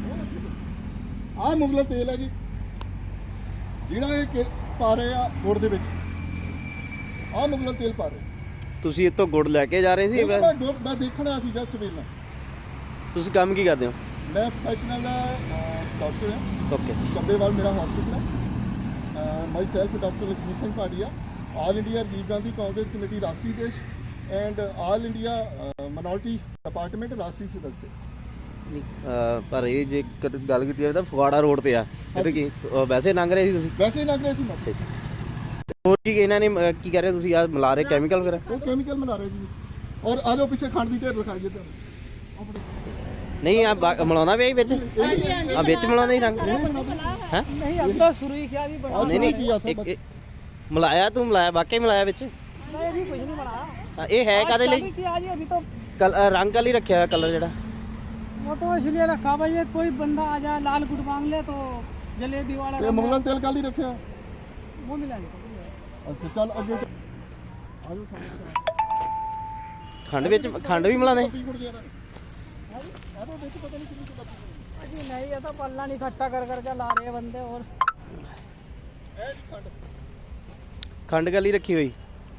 [SPEAKER 1] ਆ ਮੁਗਲ ਤੇਲ ਹੈ ਜੀ ਜਿਹੜਾ ਇਹ ਪਾ ਰਹੇ ਆ ਗੁੜ ਦੇ ਵਿੱਚ ਆ ਮੁਗਲ ਤੇਲ ਪਾ ਰਹੇ
[SPEAKER 2] ਤੁਸੀਂ ਇੱਥੋਂ ਗੁੜ ਲੈ ਕੇ ਜਾ ਰਹੇ ਸੀ?
[SPEAKER 1] ਮੈਂ ਦੇਖਣਾ ਸੀ ਜਸਟ ਵੇਲਣਾ
[SPEAKER 2] ਤੁਸੀਂ ਕੰਮ ਕੀ ਕਰਦੇ ਹੋ?
[SPEAKER 1] ਮੈਂ ਪ੍ਰੋਫੈਸ਼ਨਲ ਡਾਕਟਰ ਹਾਂ
[SPEAKER 2] ਓਕੇ।
[SPEAKER 1] ਚੱਬੇਵਾਲ ਮੇਰਾ ਹਸਪੀਟਲ ਹੈ myself doctor Lakhvir Singh Bhatia all India Rajiv Gandhi Congress committee ਰਾਸ਼ਟਰੀ ਦੇਸ਼ and all India minority department राष्ट्रीय सदस्य।
[SPEAKER 2] ਪਰ ਇਹ ਜੇ ਗੱਲ ਕੀਤੀ ਜਾਵੇ ਤਾਂ ਫਗਵਾੜਾ ਰੋਡ ਤੇ ਆ ਇਹ ਕੀ ਵੈਸੇ ਲੰਘ ਰਹੇ ਸੀ ਤੁਸੀਂ?
[SPEAKER 1] वैसे ही लग रहे सी मत
[SPEAKER 2] ਹੋਰ ਕੀ ਇਹਨਾਂ ਨੇ ਕੀ ਕਹਿ ਰਹੇ ਤੁਸੀਂ ਆ ਮਿਲਾ ਰਹੇ ਕੈਮੀਕਲ ਵਗੈਰਾ?
[SPEAKER 1] वो केमिकल मिला रहे जी और आ जाओ पीछे खंड दी ढेर दिखाइए तो
[SPEAKER 2] ਨਹੀਂ ਆ ਮਿਲਾਉਂਦਾ ਵੀ ਵਿੱਚ? ਆ ਵਿੱਚ ਮਿਲਾਉਂਦਾ ਹੀ ਰੰਗ ਹੈ?
[SPEAKER 3] नहीं अब तो शुरू ही किया, अभी बना।
[SPEAKER 2] ਨਹੀਂ ਨਹੀਂ
[SPEAKER 1] किया सर बस।
[SPEAKER 2] ਮਿਲਾਇਆ ਤੂੰ ਮਿਲਾਇਆ ਵਾਕਈ ਮਿਲਾਇਆ ਵਿੱਚ?
[SPEAKER 3] नहीं अभी कुछ नहीं बनाया।
[SPEAKER 2] ਹਾਂ, ਇਹ ਹੈ ਕਾਦੇ ਲਈ?
[SPEAKER 3] चालू किया जी अभी तो।
[SPEAKER 2] ਰੰਗ ਕਾਲੀ ਰੱਖਿਆ ਹੋਇਆ ਕਲਰ ਜਿਹੜਾ?
[SPEAKER 3] वो तो इसलिए रखा भाई, ये कोई बंदा आ जाए लाल गुड़ मांग ले तो जलेबी वाला
[SPEAKER 1] ये मुगलन तेल काली रखे हैं।
[SPEAKER 3] वो मिला नहीं।
[SPEAKER 1] अच्छा चल आगे आ जाओ
[SPEAKER 2] ਖੰਡ ਵਿੱਚ ਖੰਡ ਵੀ ਮਿਲਾਉਂਦੇ?
[SPEAKER 1] पत्ती गुड़ दे रहा है आ तो देखो पता नहीं कितनी सी पत्ती
[SPEAKER 3] अजी नहीं, ये तो पल्ला नहीं इकट्ठा कर करके ला रहे हैं बंदे। और
[SPEAKER 1] है जी खंड
[SPEAKER 2] ਖੰਡ ਕਾਲੀ ਰੱਖੀ ਹੋਈ?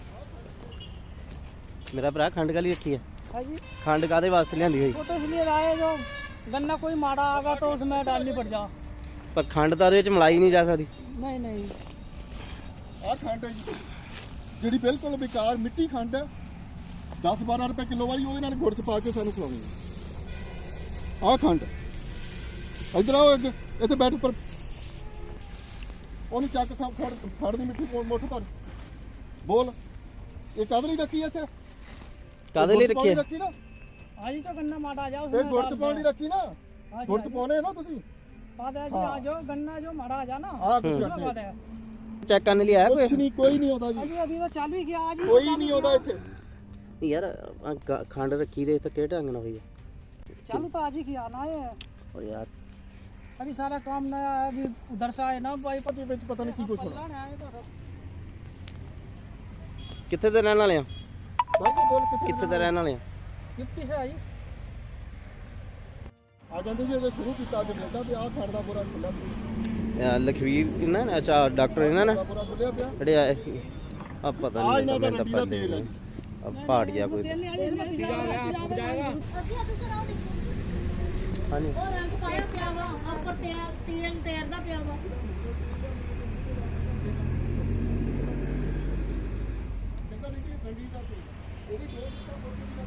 [SPEAKER 2] ਮੇਰਾ ਭਰਾ ਖੰਡ ਕਾਲੀ ਰੱਖੀ ਹੈ?
[SPEAKER 3] जी
[SPEAKER 2] ਖੰਡ ਕਾਦੇ ਵਾਸਤੇ ਲਿਆਂਦੀ ਹੋਈ?
[SPEAKER 3] वो तो इसलिए लाए जो गन्ना कोई माड़ा आगा तो उसमें डालनी पड़ जा।
[SPEAKER 2] ਪਰ ਖੰਡ ਤਾਂ ਉਹਦੇ ਵਿੱਚ ਮਿਲਾਈ ਨਹੀਂ ਜਾ ਸਕਦੀ।
[SPEAKER 3] नहीं नहीं,
[SPEAKER 1] आ खंड है जी ਜਿਹੜੀ ਬਿਲਕੁਲ ਬੇਕਾਰ ਮਿੱਟੀ ਖੰਡ ਹੈ 10-12 ਰੁਪਏ ਕਿਲੋ ਵਾਲੀ ਉਹ ਇਹਨਾਂ ਨੇ ਗੁੜ ਚ ਪਾ ਕੇ ਸਾਨੂੰ ਖਵਾਉਣੀ ਹੈ। ਆਹ ਖੰਡ ਇਧਰ ਆਓ ਅੱਗੇ ਇੱਥੇ ਬੈਠ ਉੱਪਰ ਉਹਨੂੰ ਚੱਕ ਫੜ ਦੀ ਮਿੱਟੀ ਮੁੱਠ ਭਰ ਬੋਲ ਇਹ ਕਾਹਦੇ ਲਈ ਰੱਖੀ ਹੈ ਇੱਥੇ?
[SPEAKER 2] ਕਾਦੇ ਲਈ ਰੱਖੀ ਹੈ?
[SPEAKER 1] ਰੱਖੀ ਨਾ
[SPEAKER 3] आज ही तो गन्ना माड़ा जा
[SPEAKER 1] ਇਹ ਗੁੜ ਚ ਪਾਉਣ ਲਈ ਰੱਖੀ ਨਾ
[SPEAKER 3] हाँ
[SPEAKER 1] ਗੁੜ ਚ ਪਾਉਣੇ ਨਾ ਤੁਸੀਂ
[SPEAKER 3] बात है जी।
[SPEAKER 1] हाँ।
[SPEAKER 3] आज जो गन्ना जो माड़ा आ जा ना,
[SPEAKER 1] ਆਹ ਕੁਝ
[SPEAKER 3] उसमें
[SPEAKER 1] ਰੱਖੇ
[SPEAKER 3] बात है।
[SPEAKER 2] ਚੈੱਕ ਕਰਨ ਲਈ ਆਇਆ
[SPEAKER 1] ਕੁਝ
[SPEAKER 2] ਕੋਈ?
[SPEAKER 1] ਨਹੀਂ ਕੋਈ ਨਹੀਂ ਆਉਂਦਾ ਜੀ
[SPEAKER 3] अजी अभी तो चालू ही किया आज ही।
[SPEAKER 1] ਕੋਈ ਨਹੀਂ ਆਉਂਦਾ ਇੱਥੇ
[SPEAKER 2] ਯਾਰ ਖੰਡ ਰੱਖੀ ਦੇ ਤਾਂ ਕਿਹੜੇ ਢੰਗ ਨਾਲ ਹੋਈ ਹੈ?
[SPEAKER 3] चालू तो आज ही किया ना ये।
[SPEAKER 2] ਓ ਯਾਰ
[SPEAKER 3] अभी सारा काम नया है, अभी उधर से आए ना भाई।
[SPEAKER 1] ਪਤੀ ਵਿੱਚ ਪਤਾ ਨਹੀਂ ਕੀ ਕੁਛ ਹੋਣਾ
[SPEAKER 3] पल्ला नहीं आए तो सब।
[SPEAKER 2] ਕਿੱਥੇ ਦੇ ਰਹਿਣ ਵਾਲੇ ਆ?
[SPEAKER 1] ਬਾਕੀ ਬੋਲ
[SPEAKER 2] ਕਿੱਥੇ ਦੇ ਰਹਿਣ ਵਾਲੇ ਆ?
[SPEAKER 3] गिफ्टी से आई।
[SPEAKER 1] ਆ ਜਾਂਦੇ ਜੀ ਜੇ ਸ਼ੁਰੂ ਕੀਤਾ ਅੱਜ ਮਿਲਦਾ ਤੇ ਆਹ ਖੰਡ ਦਾ ਬੁਰਾ ਖੁੱਲਾ
[SPEAKER 2] ਲਖਵੀਰ ਇਹਨਾਂ ਨੇ ਅੱਛਾ ਡਾਕਟਰ ਇਹਨਾਂ ਨੇ
[SPEAKER 1] ਬੁਰਾ ਖੁੱਲਿਆ ਪਿਆ
[SPEAKER 2] ਜਿਹੜੇ ਆਏ ਆ ਪਤਾ
[SPEAKER 1] ਆ
[SPEAKER 2] ਨਹੀਂ
[SPEAKER 1] ਇਹਨਾਂ ਦਾ
[SPEAKER 2] ਮੈਨੂੰ
[SPEAKER 1] ਰੰਡੀ ਦਾ
[SPEAKER 2] ਤਾਂ
[SPEAKER 1] ਤੇਲ ਹੈ ਜੀ
[SPEAKER 2] ਆ ਪਹਾੜ ਗਿਆ ਕੋਈ
[SPEAKER 3] तेल नहीं आई, इसमें पिघल जाएगा।
[SPEAKER 4] ਅਸੀਂ ਅੱਜ ਸਰ ਆਹ ਦੇਖੋ
[SPEAKER 2] ਹਾਂਜੀ
[SPEAKER 4] ਉਹ ਰੰਗ ਪਾਇਆ ਪਿਆ ਵਾ ਉੱਪਰ ਤੇਲ ਤੇਰਦਾ ਪਿਆ ਵਾ।
[SPEAKER 1] ਕਹਿੰਦਾ ਨਹੀਂ ਕਿ ਰੰਡੀ ਦਾ ਤੇਲ ਉਹਦੀ ਡੋਜ਼ ਤਾਂ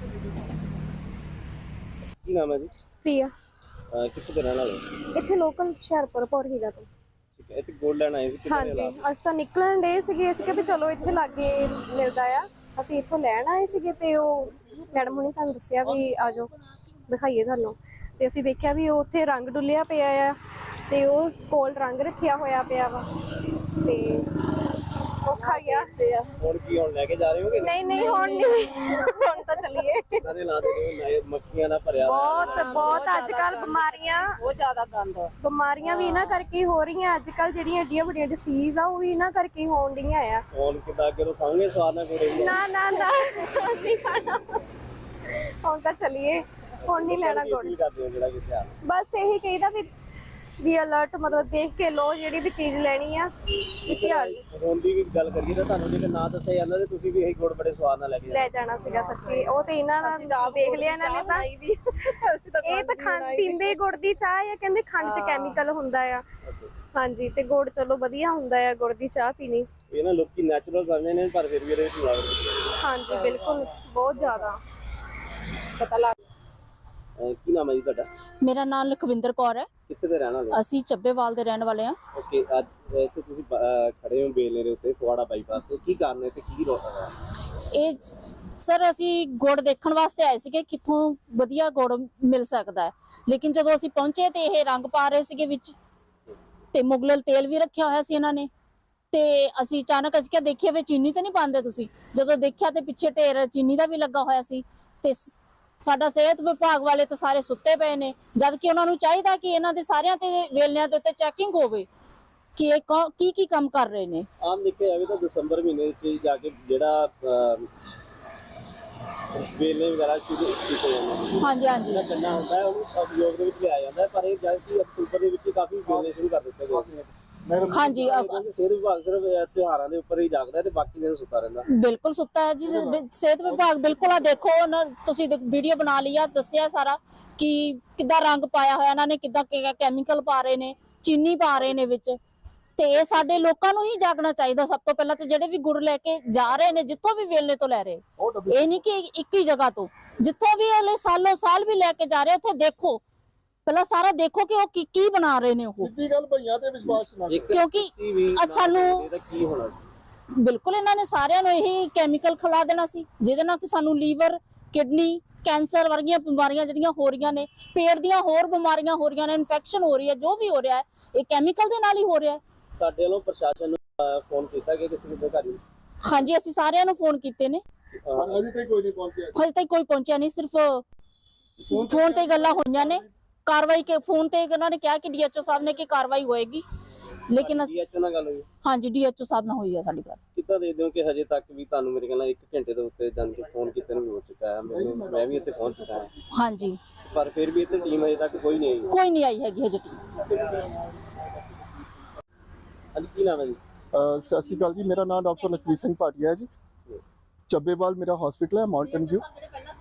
[SPEAKER 2] ਕੀ ਨਾਮ ਹੈ ਜੀ?
[SPEAKER 5] ਪ੍ਰਿਆ
[SPEAKER 2] ਕਿੱਥੇ ਦੇ ਰਹਿਣ ਵਾਲੇ ਹੋ?
[SPEAKER 5] ਇੱਥੇ ਲੋਕਲ ਹੁਸ਼ਿਆਰਪੁਰ ਪੌਰਹੀਰਾ ਤੋਂ।
[SPEAKER 2] ਠੀਕ ਹੈ, ਇੱਥੇ ਗੋਲਡ ਲੈਣ ਆਏ ਸੀ ਕਿੱਥੇ
[SPEAKER 5] ਹਾਂਜੀ ਅਸੀਂ ਤਾਂ ਨਿਕਲਣ ਡੇ ਸੀਗੇ ਅਸੀਂ ਕਿ ਵੀ ਚਲੋ ਇੱਥੇ ਲਾਗੇ ਮਿਲਦਾ ਆ, ਅਸੀਂ ਇੱਥੋਂ ਲੈਣ ਆਏ ਸੀਗੇ ਤੇ ਉਹ ਮੈਡਮ ਹੁਣੀ ਸਾਨੂੰ ਦੱਸਿਆ ਵੀ ਆ ਜਾਓ ਦਿਖਾਈਏ ਤੁਹਾਨੂੰ। ਤੇ ਅਸੀਂ ਦੇਖਿਆ ਵੀ ਉਹ ਉੱਥੇ ਰੰਗ ਡੁੱਲਿਆ ਪਿਆ ਆ ਤੇ ਉਹ ਕੋਲ ਰੰਗ ਰੱਖਿਆ ਹੋਇਆ ਪਿਆ ਵਾ ਤੇ ਔਖਾ ਗਿਆ।
[SPEAKER 2] ਹੁਣ ਕੀ ਹੁਣ ਲੈ ਕੇ ਜਾ ਰਹੇ ਹੋਗੇ?
[SPEAKER 5] ਨਹੀਂ ਨਹੀਂ ਹੁਣ ਨਹੀਂ, ਹੁਣ ਤਾਂ ਚੱਲੀਏ।
[SPEAKER 2] ਇਹਨਾਂ ਦੇ ਲਾ ਦੇ ਮੱਖੀਆਂ ਨਾਲ ਭਰਿਆ
[SPEAKER 5] ਬਹੁਤ ਅੱਜ ਕੱਲ
[SPEAKER 6] ਬਹੁਤ ਜ਼ਿਆਦਾ ਗੰਦ
[SPEAKER 5] ਬਿਮਾਰੀਆਂ ਵੀ ਇਹਨਾਂ ਕਰਕੇ ਹੀ ਹੋ ਰਹੀਆਂ ਅੱਜ ਕੱਲ, ਜਿਹੜੀਆਂ ਏਡੀਆਂ ਵੱਡੀਆਂ ਡਿਸੀਜ਼ ਆ ਉਹ ਵੀ ਇਹਨਾਂ ਕਰਕੇ ਹੀ ਹੋਣ ਡੀਆਂ ਆ।
[SPEAKER 2] ਹੁਣ ਕਿੱਦਾਂ ਅੱਗੇ ਤੋਂ ਖਾਵਾਂਗੇ ਸਵਾਦ ਨਾਲ ਕੋੜੇ
[SPEAKER 5] ਨਾ ਨਾ ਨਾ ਨਹੀਂ ਖਾਣਾ, ਹੁਣ ਤਾਂ ਚੱਲੀਏ, ਹੁਣ ਨਹੀਂ ਲੈਣਾ ਗੁੜ।
[SPEAKER 2] ਕੀ ਕਰਦੇ ਹੋ ਜਿਹੜਾ ਕਿੱਥੇ ਆ?
[SPEAKER 5] ਬਸ ਇਹੀ ਕਹੀਦਾ ਵੀ ਅਲਰਟ ਮਤਲਬ ਦੇਖ ਕੇ ਲੋ, ਜਿਹੜੀ ਵੀ ਚੀਜ਼ ਲੈਣੀ ਆ ਵੀ ਧਿਆਨ
[SPEAKER 2] ਹੁਣ ਦੀ ਵੀ ਗੱਲ ਕਰੀਏ ਤਾਂ ਤੁਹਾਨੂੰ ਜੇ ਨਾ ਦੱਸਿਆ ਜਾਂਦਾ ਤੇ ਤੁਸੀਂ ਵੀ ਇਹੀ ਗੁੜ ਬੜੇ ਸਵਾਦ ਨਾਲ ਲੈ ਕੇ
[SPEAKER 5] ਲੈ ਜਾਣਾ ਸੀਗਾ ਸੱਚੀ। ਉਹ ਤੇ ਇਹਨਾਂ ਨਾਲ ਦੇਖ ਲਿਆ ਇਹਨਾਂ ਨੇ ਤਾਂ ਇਹ ਤਾਂ ਪੀਂਦੇ ਗੁੜ ਦੀ ਚਾਹ ਆ, ਕਹਿੰਦੇ ਖੰਡ 'ਚ ਕੈਮੀਕਲ ਹੁੰਦਾ ਆ। ਹਾਂਜੀ, ਤੇ ਗੁੜ ਚਲੋ ਵਧੀਆ ਹੁੰਦਾ ਆ ਗੁੜ ਦੀ ਚਾਹ ਪੀਣੀ।
[SPEAKER 2] ਇਹ ਨਾ ਲੋਕੀ ਨੈਚੁਰਲ ਸਮਝਦੇ ਨੇ ਪਰ ਫਿਰ ਵੀ ਇਹਦੇ ਵਿੱਚ ਮਿਲਾਵਟ ਹੁੰਦੀ ਹੈ।
[SPEAKER 5] ਹਾਂਜੀ ਬਿਲਕੁਲ, ਬਹੁਤ ਜ਼ਿਆਦਾ
[SPEAKER 6] ਪਤਾ ਲੱਗ।
[SPEAKER 2] ਕੀ ਨਾਮ ਹੈ ਜੀ ਤੁਹਾਡਾ?
[SPEAKER 6] ਮੇਰਾ ਨਾਮ ਲਖਵਿੰਦਰ ਕੌਰ ਹੈ।
[SPEAKER 2] ਕਿੱਥੇ ਦੇ ਰਹਿਣ ਵਾਲੇ?
[SPEAKER 6] ਅਸੀਂ ਚੱਬੇਵਾਲ ਦੇ ਰਹਿਣ ਵਾਲੇ ਹਾਂ।
[SPEAKER 2] ਓਕੇ, ਅੱਜ ਇੱਥੇ ਤੁਸੀਂ ਖੜੇ ਹੋ ਬੇਲੇ ਦੇ ਉੱਤੇ ਫਗਵਾੜਾ ਬਾਈਪਾਸ ਤੇ, ਕੀ ਕਾਰਨ ਹੈ ਤੇ ਕੀ ਰੋਕ ਹੈ?
[SPEAKER 6] ਇਹ ਸਰ ਅਸੀਂ ਗੁੜ ਦੇਖਣ ਵਾਸਤੇ ਆਏ ਸੀਗੇ ਕਿੱਥੋਂ ਵਧੀਆ ਗੁੜ ਮਿਲ ਸਕਦਾ ਹੈ, ਲੇਕਿਨ ਜਦੋਂ ਅਸੀਂ ਪਹੁੰਚੇ ਤੇ ਇਹ ਰੰਗ ਪਾ ਰਹੇ ਸੀਗੇ ਵਿੱਚ, ਤੇ ਮੁਗਲਲ ਤੇਲ ਵੀ ਰੱਖਿਆ ਹੋਇਆ ਸੀ ਇਹਨਾਂ ਨੇ। ਤੇ ਅਸੀਂ ਅਚਾਨਕ ਅਸੀਂ ਕਿਹਾ ਦੇਖੀਏ ਵੀ ਚੀਨੀ ਤਾਂ ਨਹੀਂ ਪਾਉਂਦੇ ਤੁਸੀਂ, ਜਦੋਂ ਦੇਖਿਆ ਤੇ ਪਿੱਛੇ ਢੇਰ ਚੀਨੀ ਦਾ ਵੀ ਲੱਗਾ ਹੋਇਆ ਸੀ। ਤੇ ਸਾਡਾ ਸਿਹਤ ਵਿਭਾਗ ਵਾਲੇ ਤਾਂ ਸਾਰੇ ਸੁੱਤੇ ਪਏ ਨੇ, ਜਦ ਕਿ ਉਹਨਾਂ ਨੂੰ ਚਾਹੀਦਾ ਕਿ ਇਹਨਾਂ ਦੇ ਸਾਰਿਆਂ ਤੇ ਵੇਲਿਆਂ ਦੇ ਉੱਤੇ ਚੈਕਿੰਗ ਹੋਵੇ ਕਿ ਇਹ ਕੀ ਕੰਮ ਕਰ ਰਹੇ ਨੇ।
[SPEAKER 2] ਆਮ ਦੇਖਿਆ ਜਾਵੇ ਤਾਂ ਦਸੰਬਰ ਮਹੀਨੇ ਵਿੱਚ ਜਾ ਕੇ ਜਿਹੜਾ ਵੇਲੇ ਵਗੈਰਾ ਸ਼ੁਰੂ ਕੀਤੇ ਜਾਂਦੇ ਨੇ।
[SPEAKER 6] ਹਾਂਜੀ ਹਾਂਜੀ
[SPEAKER 2] ਜਿਹੜਾ ਗੰਨਾ ਹੁੰਦਾ ਹੈ ਉਹਨੂੰ ਉਪਯੋਗ ਦੇ ਵਿੱਚ ਲਿਆਇਆ ਜਾਂਦਾ ਹੈ, ਪਰ ਇਹ ਜਦ ਕਿ ਅਕਤੂਬਰ ਦੇ ਵਿੱਚ ਕਾਫੀ ਵੇਲੇ ਸ਼ੁਰੂ ਕਰ ਦਿੱਤੇ ਗਏ।
[SPEAKER 6] ਹਾਂਜੀ
[SPEAKER 2] ਸਿਹਤ ਵਿਭਾਗ ਸਿਰਫ ਤਿਉਹਾਰਾਂ ਦੇ ਉੱਪਰ ਹੀ ਜਾਗਦਾ ਤੇ ਬਾਕੀ ਦਿਨ ਸੁੱਤਾ ਰਹਿੰਦਾ।
[SPEAKER 6] ਬਿਲਕੁਲ ਸੁੱਤਾ ਹੈ ਜੀ ਸਿਹਤ ਵਿਭਾਗ। ਬਿਲਕੁਲ ਆ ਦੇਖੋ ਤੁਸੀਂ ਵੀਡੀਓ ਬਣਾ ਲਈ ਆ, ਦੱਸਿਆ ਸਾਰਾ ਕਿ ਕਿੱਦਾਂ ਰੰਗ ਪਾਇਆ ਹੋਇਆ ਇਹਨਾਂ ਨੇ, ਕਿੱਦਾਂ ਕੈਮੀਕਲ ਪਾ ਰਹੇ ਨੇ, ਚੀਨੀ ਪਾ ਰਹੇ ਨੇ ਵਿੱਚ। ਤੇ ਇਹ ਸਾਡੇ ਲੋਕਾਂ ਨੂੰ ਹੀ ਜਾਗਣਾ ਚਾਹੀਦਾ ਸਭ ਤੋਂ ਪਹਿਲਾਂ, ਤੇ ਜਿਹੜੇ ਵੀ ਗੁੜ ਲੈ ਕੇ ਜਾ ਰਹੇ ਨੇ ਜਿੱਥੋਂ ਵੀ ਵੇਲੇ ਤੋਂ ਲੈ ਰਹੇ, ਇਹ ਨਹੀਂ ਕਿ ਇੱਕ ਹੀ ਜਗ੍ਹਾ ਤੋਂ, ਜਿੱਥੋਂ ਵੀ ਅਗਲੇ ਸਾਲੋਂ ਸਾਲ ਵੀ ਲੈ ਕੇ ਜਾ ਰਹੇ ਉੱਥੇ ਦੇਖੋ, ਪਹਿਲਾਂ ਸਾਰਾ ਦੇਖੋ ਕਿ ਉਹ ਕੀ ਬਣਾ ਰਹੇ ਨੇ। ਉਹ
[SPEAKER 1] ਸਿੱਧੀ ਗੱਲ ਭਈਆਂ ਤੇ ਵਿਸ਼ਵਾਸ ਨਾ ਕਰੋ,
[SPEAKER 6] ਕਿਉਂਕਿ ਸਾਨੂੰ
[SPEAKER 2] ਕੀ ਹੋਣਾ
[SPEAKER 6] ਬਿਲਕੁਲ ਇਹਨਾਂ ਨੇ ਸਾਰਿਆਂ ਨੂੰ ਇਹੀ ਕੈਮੀਕਲ ਖਿਲਾ ਦੇਣਾ ਸੀ, ਜਿਹਦੇ ਨਾਲ ਕਿ ਸਾਨੂੰ ਲੀਵਰ, ਕਿਡਨੀ, ਕੈਂਸਰ ਵਰਗੀਆਂ ਬਿਮਾਰੀਆਂ ਜਿਹੜੀਆਂ ਹੋ ਰਹੀਆਂ ਨੇ, ਪੇਟ ਦੀਆਂ ਹੋਰ ਬਿਮਾਰੀਆਂ ਹੋ ਰਹੀਆਂ ਨੇ, ਇਨਫੈਕਸ਼ਨ ਹੋ ਰਹੀ ਹੈ, ਜੋ ਵੀ ਹੋ ਰਿਹਾ ਹੈ ਇਹ ਕੈਮੀਕਲ ਦੇ ਨਾਲ ਹੀ ਹੋ ਰਿਹਾ ਹੈ।
[SPEAKER 2] ਸਾਡੇ ਵੱਲੋਂ ਪ੍ਰਸ਼ਾਸਨ ਨੂੰ ਫੋਨ ਕੀਤਾ ਕਿ ਕਿਸੇ ਦੇ ਘਰ?
[SPEAKER 6] ਹਾਂਜੀ, ਅਸੀਂ ਸਾਰਿਆਂ ਨੂੰ ਫੋਨ ਕੀਤੇ ਨੇ,
[SPEAKER 1] ਅਜੇ ਤੱਕ ਕੋਈ ਨਹੀਂ ਪਹੁੰਚਿਆ।
[SPEAKER 6] ਹਜੇ ਤੱਕ ਕੋਈ ਪਹੁੰਚਿਆ ਨਹੀਂ, ਸਿਰਫ ਫੋਨ ਤੇ ਗੱਲਾਂ ਹੋਈਆਂ ਨੇ। ਕਾਰਵਾਈ ਕੇ ਫੋਨ ਤੇ ਉਹਨਾਂ ਨੇ ਕਿਹਾ ਕਿ ਡੀਐਚਓ ਸਾਹਿਬ ਨੇ ਕਿ ਕਾਰਵਾਈ ਹੋਏਗੀ, ਲੇਕਿਨ
[SPEAKER 2] ਡੀਐਚਓ ਨਾਲ ਗੱਲ ਹੋਈ?
[SPEAKER 6] ਹਾਂਜੀ, ਡੀਐਚਓ ਸਾਹਿਬ ਨਾਲ ਹੋਈ ਹੈ ਸਾਡੀ ਗੱਲ।
[SPEAKER 2] ਕਿੱਦਾਂ ਦੇਖਦੇ ਹੋ ਕਿ ਹਜੇ ਤੱਕ ਵੀ ਤੁਹਾਨੂੰ ਮੇਰੇ ਖਿਆਲ ਨਾਲ 1 ਘੰਟੇ ਦੇ ਉੱਤੇ ਜਾਣ ਕੇ ਫੋਨ ਕੀਤੇ ਨੂੰ ਹੋ ਚੁੱਕਾ ਹੈ, ਮੈਂ ਵੀ ਇੱਥੇ ਪਹੁੰਚ ਚੁੱਕਾ ਹਾਂ,
[SPEAKER 6] ਹਾਂਜੀ,
[SPEAKER 2] ਪਰ ਫਿਰ ਵੀ ਇੱਥੇ ਟੀਮ ਹਜੇ ਤੱਕ ਕੋਈ ਨਹੀਂ ਆਈ?
[SPEAKER 6] ਕੋਈ ਨਹੀਂ ਆਈ ਹੈਗੀ ਹਜੇ ਟੀਮ।
[SPEAKER 2] ਹਾਂਜੀ, ਕੀ ਨਾਮ ਹੈ ਜੀ?
[SPEAKER 1] ਸਤਿ ਸ਼੍ਰੀ ਅਕਾਲ ਜੀ, ਮੇਰਾ ਨਾਮ ਡਾਕਟਰ ਲਖਵੀਰ ਸਿੰਘ ਭਾਟੀਆ ਹੈ ਜੀ। ਚੱਬੇਵਾਲ ਮੇਰਾ ਹਸਪੀਟਲ ਹੈ, ਮਾਊਂਟਨ ਵਿਊ।